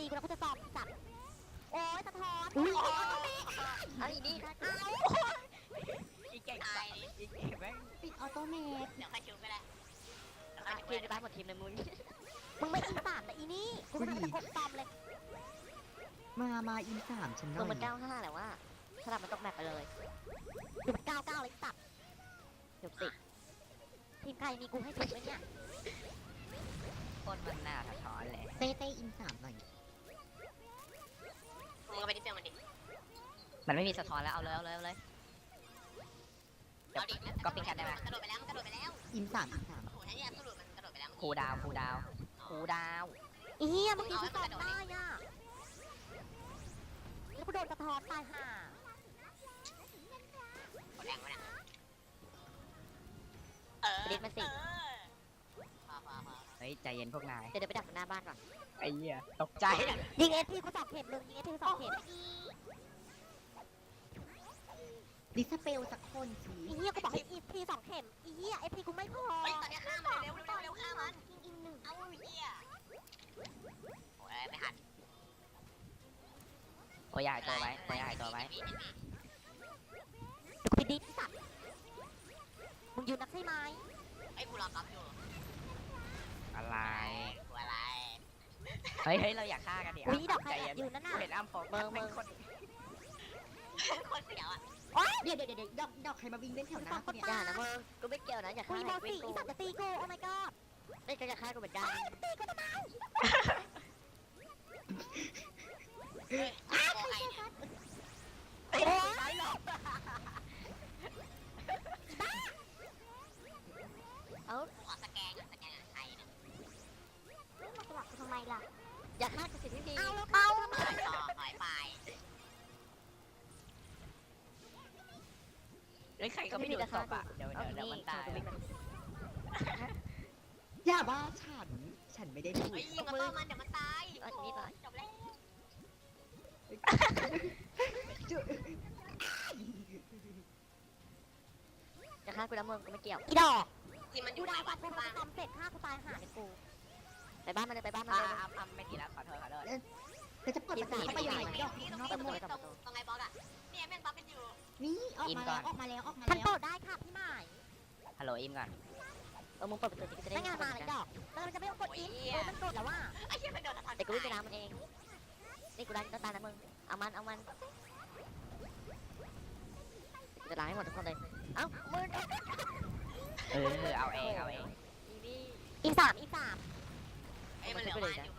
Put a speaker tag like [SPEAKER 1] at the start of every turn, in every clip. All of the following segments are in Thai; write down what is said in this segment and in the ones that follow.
[SPEAKER 1] กูแล้วกูจะสอบจัดโอ้ยสะท้อน
[SPEAKER 2] อุ้ย
[SPEAKER 1] โอ้ยต้องมี
[SPEAKER 3] เอาอีนี่
[SPEAKER 1] เอา
[SPEAKER 3] อีเก่งตายอีเก่งแม่ง
[SPEAKER 2] ปิดออโต้เมท
[SPEAKER 4] เดี๋ยวค่อยชิวก็ได้
[SPEAKER 3] ทีมจะตายหมดทีมเลยมึง
[SPEAKER 1] มึงไม่อินสามแต่อีนี่กูไม่ได้กดตอมเลย
[SPEAKER 2] มาอินสามฉันห
[SPEAKER 3] มึ
[SPEAKER 2] น่
[SPEAKER 3] ง
[SPEAKER 2] อ
[SPEAKER 3] มัน
[SPEAKER 2] ย
[SPEAKER 3] 95แหละว่าสลับมันตกแมปไปเลย
[SPEAKER 1] ดูมัน99เลยตัด
[SPEAKER 3] เดี๋ยวติด
[SPEAKER 1] ทีมใครมีกูให้สุดเลยเนี่ย
[SPEAKER 3] คนมันหน้าสะท้อนเลย
[SPEAKER 2] เต้อินสามหน่อย
[SPEAKER 4] มึงก็ไปที่เตียงมันดิ
[SPEAKER 3] มันไม่มีสะท้อนแล้วเอาเลยเอาเลยเอาเลย
[SPEAKER 4] เอาดิ
[SPEAKER 3] ก็ปิ้งกันได้ไหม
[SPEAKER 4] กระโดดไปแล้วมันกระโดดไปแล้ว
[SPEAKER 2] อินสาม
[SPEAKER 4] โอ้โหถ้าเนี่ยกระโดดมันกระโดดไปแล้ว
[SPEAKER 3] ครูดาวครูดาวครูดาว
[SPEAKER 1] อีเหี้ยเมื่อกี้กูสอบได้อ่ะแล้วกูโดนสะท้อนตายห่า
[SPEAKER 4] กดแรงวะเนี่ยเออพอ
[SPEAKER 3] เฮ้ยใจเย็นพวกนาย
[SPEAKER 1] เดี๋ยวไปดักหน้าบ้านก่อน
[SPEAKER 3] ไอ้เหี้ยตกใจ
[SPEAKER 1] ยิงเอทีกูสอบเข็มเลยยิงเอทีกูสอบเข็ม
[SPEAKER 2] ดิสเปลสักคนสิ
[SPEAKER 1] อีเหี้ยกูบอกให้อีที2 เข็มอีเหี้ยเอทีกูไม่พอ
[SPEAKER 4] เฮ้ยตอนนี้ฆ่ามันเร็วฆ่ามันยิง1เอาเหี้ยโอ้ยไม่หัน
[SPEAKER 3] โอ้ยใหญ่ตัวไว้ตัวใหญ่ตัวไว้
[SPEAKER 1] ไปดิที่สัตว์มึงยืนนักใช่ไหม
[SPEAKER 4] ไอ้กูรอกับอยู่
[SPEAKER 3] อะไร
[SPEAKER 4] กูอะไร
[SPEAKER 3] เฮ้ยเฮ้ยเราอยากฆ่ากันดิ
[SPEAKER 1] อุ้ยดอกใคร
[SPEAKER 3] ใจ
[SPEAKER 1] แอ
[SPEAKER 3] เย็
[SPEAKER 1] บ
[SPEAKER 3] น
[SPEAKER 1] ยืนนั่นน่ะ
[SPEAKER 3] เห็นอ้ำโฟก
[SPEAKER 1] เบอร์
[SPEAKER 3] เป็นคน
[SPEAKER 4] คนเสียวอ่ะ
[SPEAKER 2] เดี๋ยวดอกใครมาวิ่งเล่นแถวหน้าเนี่ย
[SPEAKER 3] อย่านะมึงกูไม่เกี่ยวนะอย่า
[SPEAKER 1] กู
[SPEAKER 3] ฆ่า
[SPEAKER 1] อีโมสี่อีสัตว์จะตีกูโอ้ my god
[SPEAKER 3] ไม่ก็จะฆ่ากูเหมือนกัน
[SPEAKER 1] ตีกูทำไม
[SPEAKER 4] เฮ้ยโอ้ยเนี่ย
[SPEAKER 1] โอ้ย
[SPEAKER 3] เอ้า
[SPEAKER 4] ขอสแกนใครเนี่ย
[SPEAKER 1] มาสลับกูทำไมล่ะ
[SPEAKER 3] อย่าฆ่ากูสิพี่ดี
[SPEAKER 1] เอาแล้วเอา
[SPEAKER 4] ถอยไป
[SPEAKER 3] เฮ้ยใครก็ไม่ดูศพอ่ะเดี๋ยวมันตาย
[SPEAKER 2] อย่าบ้าฉันไม่ได้พูด
[SPEAKER 4] เฮ้ยยิงมันต่อมันเดี๋ยวมันตายจบแล้ว
[SPEAKER 3] อย่าฆ่ากูนะมึงกูไม่เกี่ยว
[SPEAKER 1] อีดอก
[SPEAKER 4] ที่มันอ
[SPEAKER 1] กู
[SPEAKER 4] ยู่
[SPEAKER 1] ด่า
[SPEAKER 4] ใน
[SPEAKER 1] วั
[SPEAKER 4] วั
[SPEAKER 1] ด
[SPEAKER 4] ด
[SPEAKER 1] กู
[SPEAKER 4] บ้าน
[SPEAKER 1] ทำเสร็จฆ่ากูตายห่าเลยกู
[SPEAKER 3] ไปบ้านมันเลยไปบ้านมันเลยอ้ำไม่กี่แล้วขอโทษ
[SPEAKER 2] แต่จะเปิดประตูเข้าไปยังไงดอก
[SPEAKER 4] ตรง
[SPEAKER 2] นอก
[SPEAKER 4] นี้
[SPEAKER 2] กันหมด
[SPEAKER 4] ตรงไอ้บอสอ่ะเนี่ยแม่งบัฟเป็นอยู่
[SPEAKER 2] นี่ออกมาแล้ว
[SPEAKER 1] ฉันเปิดได้ค่ะพี่หมาย
[SPEAKER 3] ฮัลโหลอิมก่อนมึงเปิดประตูจะได้
[SPEAKER 1] ไม่งานมาเลยดอกแล้วมันจะไม่ต้องกดอินมันกดแล้วว่า
[SPEAKER 4] ไอ้เหี้ยมันโดนสะท้อน
[SPEAKER 3] แต่กูวิ่งไปน้ำมันเองนี่กูได้ต้นตาลนะมึงเอามันจะล้างให้หมดทุกคนเลยเอ้ามึงเอาเองอีนี่
[SPEAKER 1] อีสาม
[SPEAKER 4] ไอ้มันเหลือวานอยู่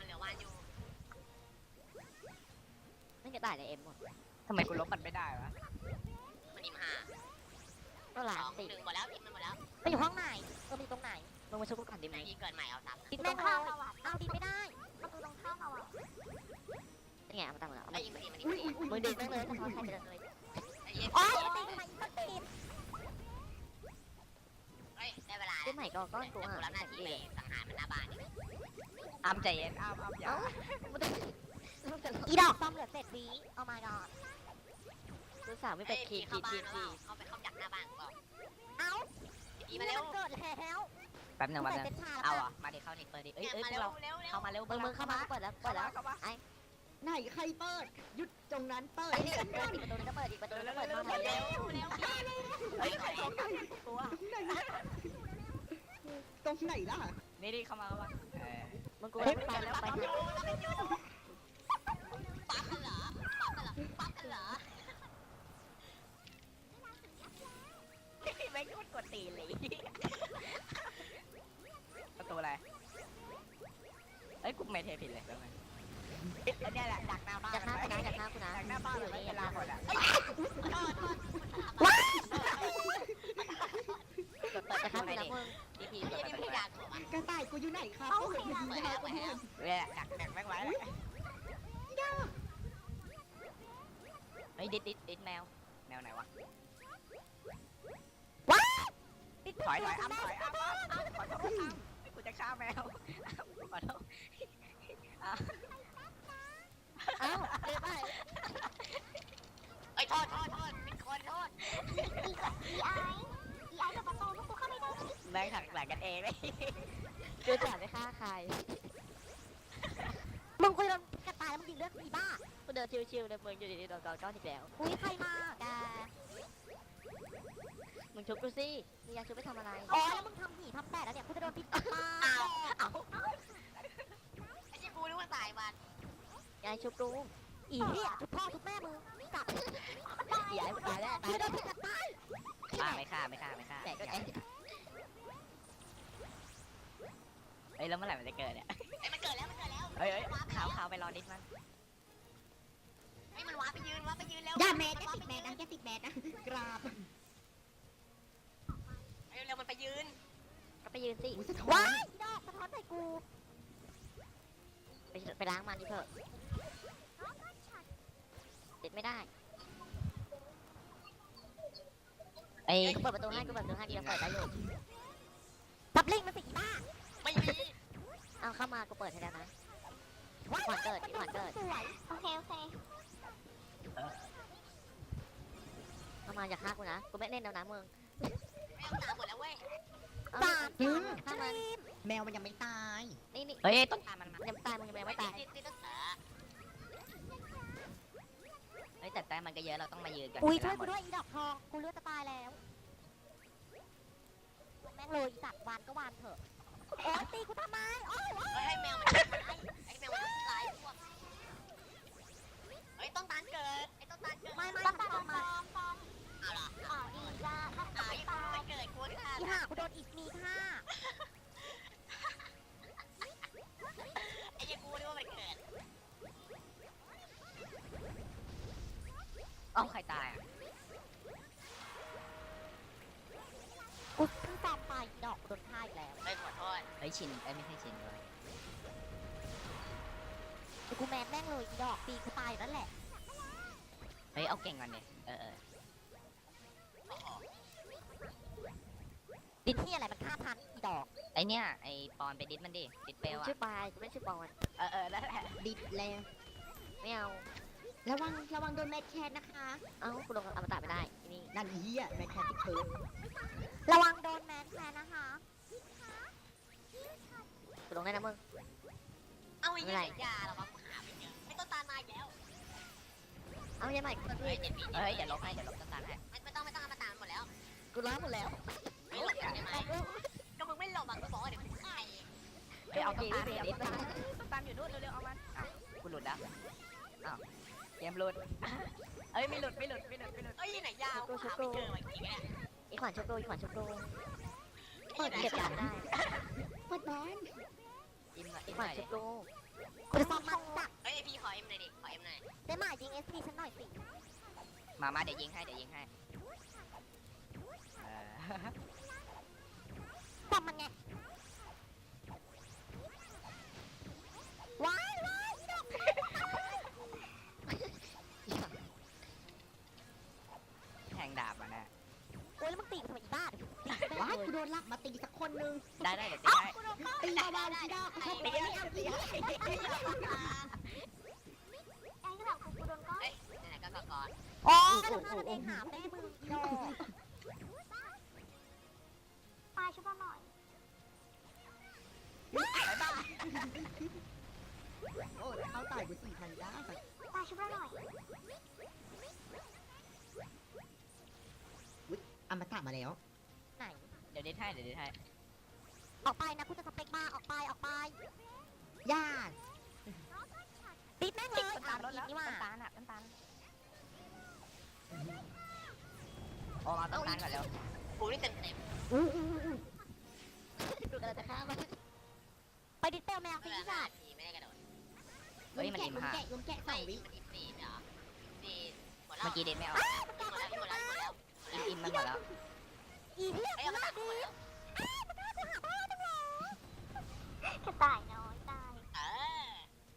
[SPEAKER 3] ไม่จะตายในเอ็มหมดทำไมกูลบมันไม่ได้วะ
[SPEAKER 4] มันอิ่มห่า
[SPEAKER 3] ก็หลาน
[SPEAKER 4] 2
[SPEAKER 3] สิ
[SPEAKER 4] 1หมดแล้วอิ่มมันหมดแล้ว
[SPEAKER 1] มันอยู่ห้องไหนมันอยู่ตรงไหน
[SPEAKER 3] มึงมาช่วยกูก่อนดิ
[SPEAKER 4] ไหน
[SPEAKER 3] มึง
[SPEAKER 4] ยิงเกินใหม่เอา3
[SPEAKER 1] ดินแม่งเข้าเอาดินไม่ได้ประตูตรงข้ามเอาอ่ะ
[SPEAKER 3] นี่ไงมาตั้งแล้ว
[SPEAKER 4] ไอ้ยิงมัน
[SPEAKER 3] มึงดึงแม่งเลยถ้าเขาใช้ไปเลย
[SPEAKER 4] ไอ้เหี้ย
[SPEAKER 1] โอ้ยตีทำไมมันตี
[SPEAKER 4] เฮ้ยได้เวลา
[SPEAKER 3] ขึ้นใหม่ก็ก้อนกู
[SPEAKER 4] กูรับหน้าที่ไปสังหารมันหน้าบ้าน
[SPEAKER 3] อ้ำใจเย็นอ้ำอย่า
[SPEAKER 1] อีดอกซ่อมเหลือ7 วิเอามาก่อน
[SPEAKER 3] กูสาวไม่เป็นคี
[SPEAKER 4] เข้าบ้าน
[SPEAKER 3] ที
[SPEAKER 4] แล้วเข้าไปเข้าจักหน้าบ้านก่อน
[SPEAKER 1] เอ้า
[SPEAKER 4] ดีมาเร็ว
[SPEAKER 1] เกิดแล้ว
[SPEAKER 3] แป๊บนึง
[SPEAKER 1] ใส่
[SPEAKER 3] มา
[SPEAKER 1] เซ็ตชา
[SPEAKER 3] เอา
[SPEAKER 1] แล้ว
[SPEAKER 3] อ่ะมาดิเข้านี่เปิดดิเอ้ย
[SPEAKER 4] มา
[SPEAKER 3] พว
[SPEAKER 4] เร็
[SPEAKER 3] ก
[SPEAKER 4] ว
[SPEAKER 3] เรา
[SPEAKER 4] เร็ว
[SPEAKER 3] เข้ามาเร็วมึงเข้ามาเปิดแล้วไอ้
[SPEAKER 2] ไหนใครเปิดหยุดตรงนั้นเปิด
[SPEAKER 3] นี่เปิดอีกประตูนึงก็เปิดอีกประตูนึงก็เปิด
[SPEAKER 4] เร็ว
[SPEAKER 3] มา
[SPEAKER 4] เร็
[SPEAKER 3] เร็
[SPEAKER 4] ว
[SPEAKER 3] ว
[SPEAKER 4] เร็ว
[SPEAKER 3] เฮ้ยใครเข้ากันกูอ่ะ
[SPEAKER 2] ตรงไหนล่ะ
[SPEAKER 3] นี่เข้ามามึงกูไปแล้วไป
[SPEAKER 4] ปั๊บกันเหรอปั๊บกันเหรอ
[SPEAKER 3] ไม่กดตีเลยประตูอะไรเอ้ยกูไม่เทผิดเลยแล้วไงเนี่ยแหละดักหน้าบ้านดักหน้ากูนะดักหน้ากูนะดักหน้าบ้านอยู่นี่ลาหมดอ่ะเปิดจะเข้าไปนะมึงดีพี
[SPEAKER 4] ไอ้
[SPEAKER 3] เปิด
[SPEAKER 4] นี่
[SPEAKER 3] ไป
[SPEAKER 4] ไม่
[SPEAKER 3] เล
[SPEAKER 4] อย ากถูกอ่ะ
[SPEAKER 2] กระต่ายกูอยู่ไหนครับ
[SPEAKER 1] เอา
[SPEAKER 2] กู
[SPEAKER 1] สิ
[SPEAKER 2] เห็นมันอยู่ยาวกูเห็น
[SPEAKER 3] เว้ยดักแม่งไว้เฮ้ยดิดแมวไหนวะถอยอ้ำขอโทษกูจะฆ่าแมวขอโทษอ้าวเรียบร้อย
[SPEAKER 4] ไอ้โทษเป็นคนโทษ
[SPEAKER 1] อีไอเปิดประตูลูกกูเข้าไม่ได้
[SPEAKER 3] แม่งถักหลังกันเองเลยกูจะไม่ฆ่าใคร
[SPEAKER 1] มึงกูจะกระต่ายแล้วมึงเดินชิวๆเลยมึงอยู่ดีๆโดนกอก้อนอีกแล้วอุ้ยใครมาแกมึงชุบกูสิมึงอยากชุบไปทำอะไรอ๋อแล้วมึงทำหีทำแตกแล้วเนี่ยกูจะโดนพิษตาย
[SPEAKER 4] อ้าวไอ้เจ้ากูนึกว่าสายมัน
[SPEAKER 1] ยายชุบกูอีเหี้ยชุบพ่อชุบแม่มึงกลับยายตายแล้วตายแล้วตาย
[SPEAKER 3] ไม่ฆ่าไม่ฆ่าไม่ฆ่า
[SPEAKER 1] แต่ก็ไอ้
[SPEAKER 3] เฮ้ยแล้วเมื่อไหร่มันจะเกิดเนี่ย
[SPEAKER 4] ไอ้มันเกิดแล้วมันเกิดแล้ว
[SPEAKER 3] เฮ้ยขาวไปรอดิสมัน
[SPEAKER 4] ไอ้มันว้าไปยืนแล้ว
[SPEAKER 2] อย่าแมสอย่าติดแมสนะอย่าติดแมสนะกราบ
[SPEAKER 4] เร็วมันไปยืน
[SPEAKER 1] ก็ไปยืนสิ
[SPEAKER 2] อุ้ยสะท้อ
[SPEAKER 1] ว้าน ยดอกสะท้อนใส่กูไปล้างมันดิเถอะติดไม่ได้
[SPEAKER 3] ไอ้
[SPEAKER 1] กูเปิดประตูให้กูเปิดประตูให้ดีเราเปิดได้อยู่ตับลิงมันสิอีบ้า
[SPEAKER 4] ไม่มี
[SPEAKER 1] เอาเข้ามากูเปิดให้แล้วนะหวานเกิดหวานเกิด
[SPEAKER 4] โอเคโอเค
[SPEAKER 1] เข้ามาอย่าฆ่ากูนะกูไม่เล่นแล้วนะมึง
[SPEAKER 4] ไม่ต้องตามหมดแล้วเว้ย
[SPEAKER 1] สามฆ่ามัน
[SPEAKER 2] แมวมันยังไม่ตาย
[SPEAKER 1] นี่นี่
[SPEAKER 3] เฮ้ยต้นตาลมันมา
[SPEAKER 1] ยังตายมึงยังไม่ตาย
[SPEAKER 4] ติดต้อง
[SPEAKER 3] เฮ้ยแต่แต้มมันก็เยอะเราต้องมายืนกัน
[SPEAKER 1] อุ้ย
[SPEAKER 3] เว
[SPEAKER 1] ช่ว
[SPEAKER 3] ลาย หม
[SPEAKER 1] กู
[SPEAKER 3] ด
[SPEAKER 1] ด้วยอีดอกทองกูเลือดจะตายแล้วแม่งเลยอีสัตว์วานก็วานเถอะโอ๊ยตีกูทำไมโอ้ย
[SPEAKER 4] ให้แมวมันไอ้แมวมันลายพวกเฮ้ยต้นตาลเกิดไอ้ต้นตาลเกิด
[SPEAKER 1] ไม่
[SPEAKER 4] ต้นตาล
[SPEAKER 1] ทำไม
[SPEAKER 4] เอาล่ะอ๋อดีจ้ายังไม่เกิดกูค่ะ
[SPEAKER 1] อีห่ากูโดนอีกมีค่ะ
[SPEAKER 4] ไอ้ยังกูนึกว่ามันเกิด
[SPEAKER 3] เอ้าใครตายอ่ะ
[SPEAKER 1] กูเพิ่งตามไปอีดอกกูโดนฆ่าอีกแล้ว
[SPEAKER 4] ไม่ขอโทษ
[SPEAKER 3] เฮ้ยชินไม่ใช่ชินเลย
[SPEAKER 1] แต่กูแมนแม่งเลยอีดอกตีกูตายอยู่นั่นแหละ
[SPEAKER 3] เฮ้ยเอาเก่งก่อนดิ
[SPEAKER 1] ดิที่อะไรมันฆ่าทันอีดอก
[SPEAKER 3] ไอเนี่ยไอปอนไปดิสมันดิดิสเปล
[SPEAKER 1] กู
[SPEAKER 3] อ่ะ
[SPEAKER 1] ชื่อปายกูไม่ชื่อปอน
[SPEAKER 3] นั่นแหละ
[SPEAKER 2] ดิดแล้ว
[SPEAKER 1] ไม่เอา
[SPEAKER 2] ระวังโดนแมทแคทนะคะ
[SPEAKER 1] เอ้ากูลงอมตะไม่ได้ที่นี่
[SPEAKER 2] นั่นเฮียแมทแคทที่เพิร์ด
[SPEAKER 1] ระวังโดนแมนแทนนะคะกูลงได้นะมึง
[SPEAKER 4] เอาอีกอย่างยาหรอวะหาไม่เจอไอ้ต้นตาลมาอีกแล้ว
[SPEAKER 1] เอายังไงกู
[SPEAKER 4] เฮ้ย7 ปี
[SPEAKER 3] เฮ้ยเดี๋ยวลบให้เดี๋ยวลบต้นตาลให้
[SPEAKER 4] ไม่ต้องเอามาตามหมดแล้ว
[SPEAKER 1] กูล้างหมดแล้ว
[SPEAKER 4] ไม่หลบได้ไหมก็มึงไม่หลบอ่ะกูบอกว่าเดี๋ยวกูฆ่าเอง
[SPEAKER 3] เฮ้ยเอาต้นตาลเอาต้นตาลต้นตาลอยู่นู่นเร็วๆเอามันกูหลุดแล้วอ้าวเกมหลุดเอ้ยไม่หลุด
[SPEAKER 4] เอ้ยไหนยาวกูหาไม่เจอว่ะจริงๆเนี่ย
[SPEAKER 1] อีขวานชุบโดอีขวานชุบโด
[SPEAKER 4] เปิด
[SPEAKER 1] เก็บยาได้
[SPEAKER 2] เปิดบ้าน
[SPEAKER 3] อิ่มหน่อย
[SPEAKER 1] อี
[SPEAKER 3] อิ่ม
[SPEAKER 1] ข
[SPEAKER 3] ห
[SPEAKER 1] วา
[SPEAKER 3] น่
[SPEAKER 1] น
[SPEAKER 3] อย
[SPEAKER 1] ชุบโดกูจะซ้อมมันจัก
[SPEAKER 4] เฮ้ยพี่ขอเอ็มหน่อยดิขอเอ็มหน่อย
[SPEAKER 1] ได้หมายยิง SP ฉันหน่อยสิ
[SPEAKER 3] มาเดี๋ยวยิงให้
[SPEAKER 1] ซ้อมมันไงว้ายอีดอก
[SPEAKER 3] แทงดาบมาแน่
[SPEAKER 1] โอ้ยแล้วมึงตีกูทำไมอีบ้าเดี๋ยวกูตีแม่ง
[SPEAKER 2] ว้าย
[SPEAKER 1] เล
[SPEAKER 2] กู
[SPEAKER 1] ย
[SPEAKER 2] โดนลักมาตีสักคนนึง
[SPEAKER 3] ได้เดี๋ยวตีให้
[SPEAKER 2] ตีเบาๆสิดอกกูชอบตีไม่เอาตี
[SPEAKER 4] ไอ้ก็แบบกูโดนก้อนเฮ้ยไหนๆก็ก่อน
[SPEAKER 1] อ๋อก็จะฆ่ากันเองหาแม่มึงอีดอก
[SPEAKER 4] ปลาช่วยหน่อย
[SPEAKER 2] โอ้เขาตายกู4,000ได้
[SPEAKER 4] ปลาช่วยหน่อย
[SPEAKER 2] อมตะมาแล้ว
[SPEAKER 1] ไหน
[SPEAKER 3] เดี๋ยวดิสให้
[SPEAKER 1] ออกไปนะกูจะสเปกบ้าออกไป
[SPEAKER 2] ญาติ
[SPEAKER 1] ปิดแม่งเลย
[SPEAKER 3] ต้นตาลลดแล้ว
[SPEAKER 1] นี่ว่า
[SPEAKER 3] ต้นตาลโอ้มาต้นตาลก่อนเร็ว
[SPEAKER 4] กูนี่เต็ม
[SPEAKER 1] ดูกันจะฆ่ามันไปดิสเปลแมว
[SPEAKER 4] ๆ
[SPEAKER 1] สิ
[SPEAKER 4] เวลา
[SPEAKER 1] จ้ะ
[SPEAKER 4] ทีไม่ได้กระโดด
[SPEAKER 3] เฮ้ยมัน
[SPEAKER 2] แกะ
[SPEAKER 3] อิ่ม
[SPEAKER 2] ลุม
[SPEAKER 3] ห่า
[SPEAKER 2] แกะลุมแกะ
[SPEAKER 4] ไม่
[SPEAKER 2] 2 วิ
[SPEAKER 4] มันอีก4เหรอ4หมดแล้ว
[SPEAKER 3] เมื่อกี้เด็ดไม่เอา
[SPEAKER 4] หมดแล้ว
[SPEAKER 3] อิ่มมันหมดแล้ว
[SPEAKER 1] อีเหี้ย
[SPEAKER 4] ไอ้
[SPEAKER 1] กู
[SPEAKER 4] เอามา
[SPEAKER 1] น่า
[SPEAKER 4] ตัด
[SPEAKER 1] ดี
[SPEAKER 4] หมดแล้ว
[SPEAKER 1] กระต่ายน้อยตาย
[SPEAKER 4] เออ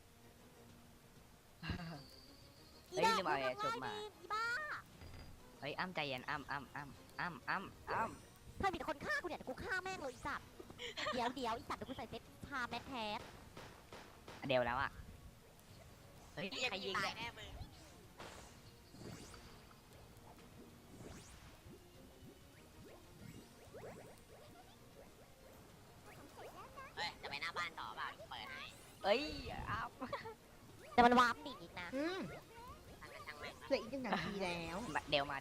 [SPEAKER 3] เฮ้ยลืมเอาไอ้ชุบมา
[SPEAKER 1] อีบ้า
[SPEAKER 3] เฮ้ยอ้ำใจเย็นอ้ำ
[SPEAKER 1] เธอมีแต่คนฆ่ากูเนี่ยแต่กูฆ่าแม่งเลยอีสัตว์เดี๋ยวอีสัตว์เดี๋ยวกูใส่เซ็ตพาแมทแทส
[SPEAKER 3] เดี๋ยวแล้วอ่ะเฮ้ย
[SPEAKER 4] พี่
[SPEAKER 3] ใครยิง
[SPEAKER 4] ตา
[SPEAKER 3] เนี่ย ย
[SPEAKER 4] แน่มึงเฮ้ยจะไปหน้าบ้านต่อเปล่าเปิดให้
[SPEAKER 3] เอ้ยอ้ำ
[SPEAKER 1] แต่มันวาร์ปหนีอีกนะ
[SPEAKER 2] อืมเหลืออีก1 นาทีแล้ว
[SPEAKER 3] เดี๋ยวมา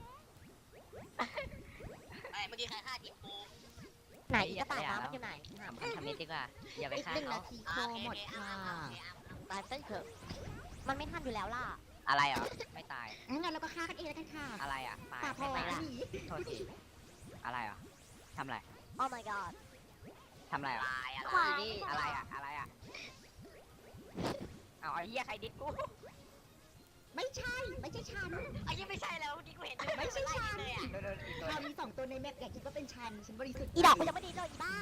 [SPEAKER 4] ไม่เมื่อกี้ใครฆ่าทีมกู
[SPEAKER 1] ไหนอีกระต่ายน้ำมันอยู่ไหน
[SPEAKER 3] ทำนิดดีกว่าอย่าไป
[SPEAKER 2] อีก
[SPEAKER 3] ฆ่า
[SPEAKER 2] 1
[SPEAKER 3] เขา
[SPEAKER 2] นาทีโคหมดค่ะ
[SPEAKER 1] ตายเส้นเถอะมันไม่ทันอยู่แล้วล่ะ
[SPEAKER 3] อะไรเหรอไม่ตาย
[SPEAKER 2] งั้นเราก็ฆ่ากันเองแล้วกันค่ะ
[SPEAKER 3] อะไรอ่ะตาย
[SPEAKER 2] ป่าพอ
[SPEAKER 3] ไม่ตาย
[SPEAKER 2] หนี
[SPEAKER 3] โทษทีอะไรเหรอทำอะไร
[SPEAKER 1] Oh my god
[SPEAKER 3] ทำอะไรเหรอ
[SPEAKER 4] ตายอะไร
[SPEAKER 3] อะไรอ่ะเอาไอ้เหี้ยใครดิสกู
[SPEAKER 2] ไม่ใช่ ไม่ใช่ฉัน
[SPEAKER 4] ไอ้ยังไม่ใช่แล้วเมื่อกี้กูเห็น
[SPEAKER 2] ไม่ใช่ฉัน
[SPEAKER 4] เลยอ่ะ
[SPEAKER 3] โดนอีกตัว
[SPEAKER 2] เรามี2 ตัวในแมปอย่าคิดว่าเป็นฉันบริสุทธิ์
[SPEAKER 1] อีดอกกูยังไม่ดีเลยอีบ้า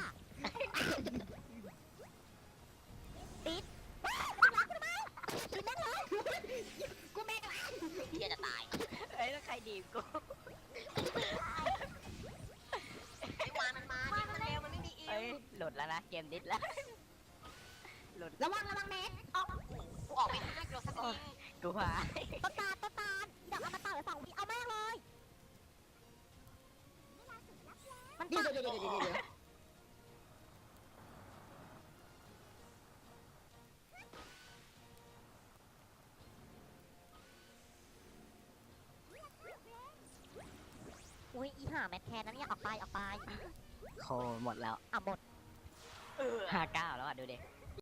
[SPEAKER 1] ติดกินแม่งเลย
[SPEAKER 2] กูแม่ง
[SPEAKER 4] เฮียจะตาย
[SPEAKER 3] เอ้ยแล้วใครดีกู
[SPEAKER 4] ไอ้วานมันมาดิมันเร็วมันไม่มีอิ
[SPEAKER 3] เอ้
[SPEAKER 4] วย
[SPEAKER 3] หลุดแล้วนะเกมดิสแล้ว
[SPEAKER 2] ระวังแมส
[SPEAKER 4] กูออกไปฆ่าโดนสักที
[SPEAKER 3] กูว่า
[SPEAKER 1] ต้นตาลเดี๋ยวเอามาต่อเลย2 วิเอาแม่งเลยมัน
[SPEAKER 2] เดี๋ยว
[SPEAKER 1] ตัด
[SPEAKER 2] เดี๋ยว
[SPEAKER 1] อุ้ยอีห่าแมทแคนนั้นเนี่ยออกไป
[SPEAKER 3] โคหมดแล้ว
[SPEAKER 1] อ่ะหมด
[SPEAKER 4] เออ
[SPEAKER 3] 59แล้วอ่ะดูดิ